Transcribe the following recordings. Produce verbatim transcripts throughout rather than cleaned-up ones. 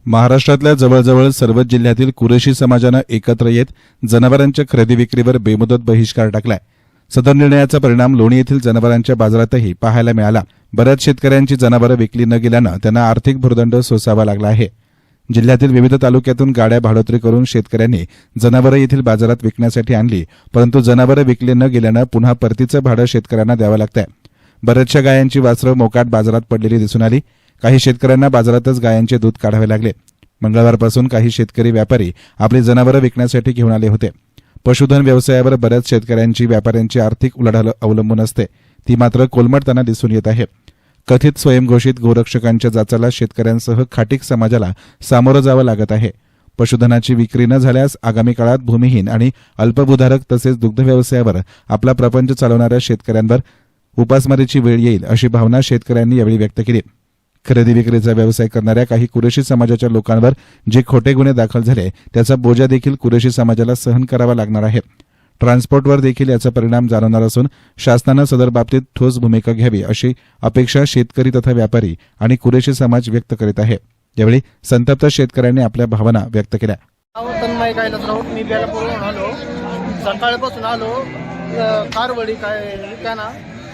महाराष्ट्रातल्या जवळजवळ सर्वच जिल्ह्यातील कुरेशी समाजानं एकत्र येत जनावरांच्या खरेदी विक्रीवर बेमुदत बहिष्कार टाकलाय। सदर निर्णयाचा परिणाम लोणी येथील जनावरांच्या बाजारातही पाहायला मिळाला। बऱ्याच शेतकऱ्यांची जनावरं विकली न गेल्यानं त्यांना आर्थिक भुर्दंड सोसावा लागला आहे। जिल्ह्यातील विविध तालुक्यातून गाड्या भाडोत्री करून शेतकऱ्यांनी जनावरं येथील बाजारात विकण्यासाठी आणली, परंतु जनावरं विकली न गेल्यानं पुन्हा परतीचं भाडं शेतकऱ्यांना द्यावं लागतंय। बऱ्याचशा गायांची वासरं मोकाट बाजारात पडलेली दिसून आली। काही शेतकऱ्यांना बाजारातच गायांचे दूध काढावे लागले। मंगळवारपासून काही शेतकरी व्यापारी आपली जनावरं विकण्यासाठी घेऊन आले होते। पशुधन व्यवसायावर बऱ्याच शेतकऱ्यांची व्यापाऱ्यांची आर्थिक उलाढाल अवलंबून असते, ती मात्र कोलमडताना दिसून येत आहे। कथित स्वयंघोषित गोरक्षकांच्या जाचाला शेतकऱ्यांसह खाटीक समाजाला सामोरं जावं लागत आहे। पशुधनाची विक्री न झाल्यास आगामी काळात भूमिहीन आणि अल्पभूधारक तसेच दुग्ध व्यवसायावर आपला प्रपंच चालवणाऱ्या शेतकऱ्यांवर उपासमारीची वेळ येईल, अशी भावना शेतकऱ्यांनी यावेळी व्यक्त केली। खरेदी विक्रीचा व्यवसाय करणाऱ्या काही कुरेशी समाजाच्या लोकांवर जे खोटे गुन्हे दाखल झाले त्याचा बोजा देखील कुरेशी समाजाला सहन करावा लागणार आहे। ट्रान्सपोर्टवर देखील याचा परिणाम जाणवणार असून शासनानं सदर बाबतीत ठोस भूमिका घ्यावी अशी अपेक्षा शेतकरी तथा व्यापारी आणि कुरेशी समाज व्यक्त करीत आहे। यावेळी संतप्त शेतकऱ्यांनी आपल्या भावना व्यक्त केल्या। मी बेलापूरहून आलो, सकाळपासून आलो, कारवडी काय विकाना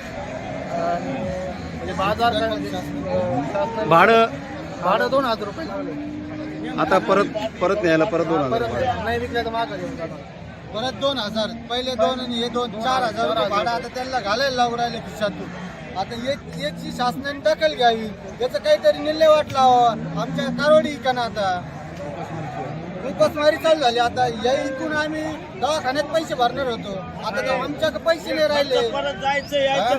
बाजार भाडं भाडं दोन हजार रुपये लागले। आता परत परत न्यायला परत दोन हजार परत नाही विकलं तर मागं घेऊन जाणार। परत दोन हजार पहिले दोन आणि हे दोन चार हजार रुपये भाडं आता त्यांना घालायला लागू राहिले खिशातून। आता एक याची शासनाने दखल घ्यावी, याचं काहीतरी निर्णय वाट लावा। आमच्या कारवडी का आता उपासमारी चालू झाली। आता या इकून आम्ही दवाखान्यात पैसे भरणार होतो, आता तर आमच्याकडे पैसे नाही राहिले। परत जायचं यायचं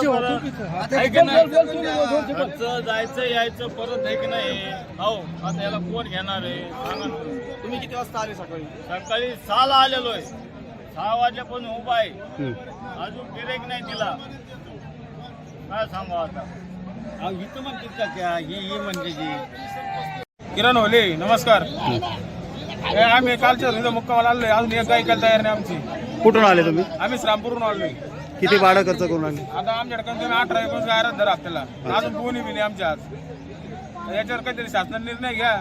जायचं यायचं परत आहे की नाही? हो, आता याला कोण घेणार आहे सांगा ना। तुम्ही किती वाजता आले? सकाळी सकाळी सहाला आलेलो आहे, सहा वाजल्यापासून उभा आहे, अजून गिरेक नाही दिला। काय सांगू आता? इथं म्हणते का ही म्हणजे जी किरण होले, नमस्कार। आम्ही कालच्या मुक्कामाला आलोय, अजून एक गाय ऐकायला तयार नाही आमची। कुठून आले तुम्ही? आम्ही श्रामपूरहून आलोय। किती भाडं खर्च करून आले? आता आमच्याकडे कमी अठरा एकोणीस गाय धर आपल्याला, अजून कोणी बी नाही आमच्या आज। याच्यावर काहीतरी शासनाने निर्णय घ्या।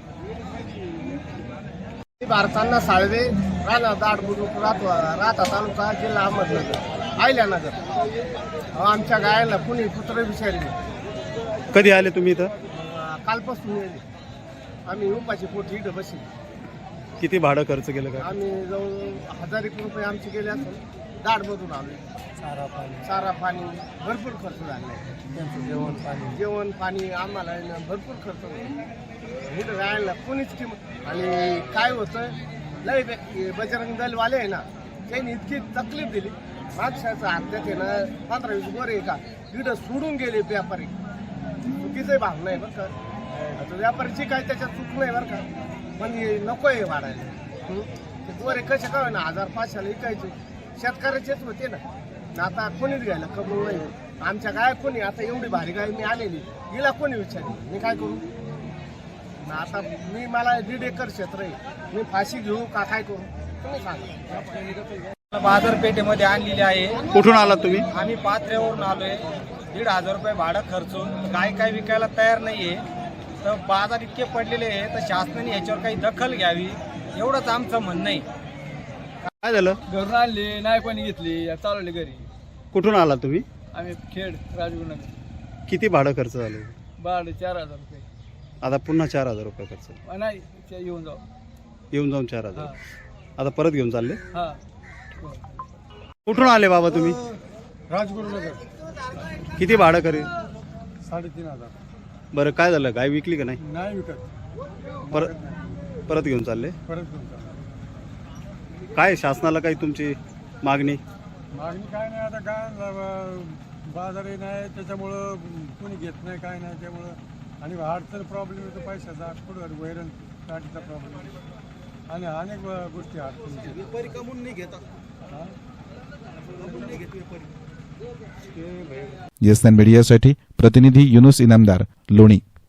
भारतांना साळवे राणा दाड बुद्रुक राहता तालुका जिल्हा अहमदनगर आयल्यानगर। आमच्या गायाला कुणी पुत्र विचारले। कधी आले तुम्ही इथं? कालपासून येईल आम्ही उपाशी पोटी इथं बसली। किती भाडं खर्च केलं का? आम्ही जवळ हजार एक रुपये आमचे गेले असून दाडमधून आले। चारा पाणी चारा पाणी भरपूर खर्च झाला। त्यांचं जेवण पाणी जेवण पाणी आम्हाला भरपूर खर्च होतो। इथं गायला कोणीच किंमत आणि काय होतं लय बजरंग दलवाले आहे ना, त्यांनी इतकी तकलीफ दिली। मागशाचं हत्यात आहे ना पंधरा वीस गोरे का इथं सोडून गेले व्यापारी। चुकीचं भाग नाही बरं का, आता व्यापारीची काय त्याच्यात चूक नाही बरं का, पण नको आहे वाढायला। ते गोरे कसे काय ना हजार पाचशेला विकायचे, शेतकऱ्याचेच होते ना। आता कोणीच घ्यायला कबूल नाही। आमच्या गाय कोणी आता एवढी भारी गाय मी आलेली, हिला कोणी विचारली, मी काय करू? आता मी मला दीड एकर क्षेत्र आहे, मी फाशी घेऊ का काय करू तुम्ही सांगा। बाजारपेठेमध्ये आणलेली आहे। कुठून आलात तुम्ही? आम्ही पात्र्यावरून आलोय। दीड हजार रुपये भाडं खर्चून काय काय विकायला तयार नाहीये, तर बाजार इतके पडलेले आहे, तर शासनाने याच्यावर काही दखल घ्यावी एवढंच आमचं म्हणणं आहे। काय झालं? घरून आणली नाही कोणी घेतली, चालवली घरी। कुठून आलात तुम्ही? आम्ही खेड राजगुरुनगर। किती भाडं खर्च झालं? भाडं चार हजार रुपये। आता पुन्हा चार हजार रुपये खर्च? नाही येऊन जाऊ येऊन जाऊन चार हजार आता परत घेऊन चालले? हा। कुठून आले बाबा तुम्ही? राजगुरुनगर। किती भाडं करे? साडेतीन हजार। बरं काय झालं, गाय विकली का नाही? नाही विकत, परत परत घेऊन चालले? परत घेऊन चालले। काय शासनाला काही तुमची मागणी? मागणी काय नाही, आता काय बाजारही नाही त्याच्यामुळं कोणी घेत नाही काय नाही, त्यामुळं आणि अडचण प्रॉब्लेम येतो पैशाचा, कुठं वैरण काठीचा प्रॉब्लेम आणि अनेक गोष्टी अडचणीच्या। व्यापारी कमवून नाही घेतात। येस मीडियासाठी प्रतिनिधी युनुस इनामदार, लोणी।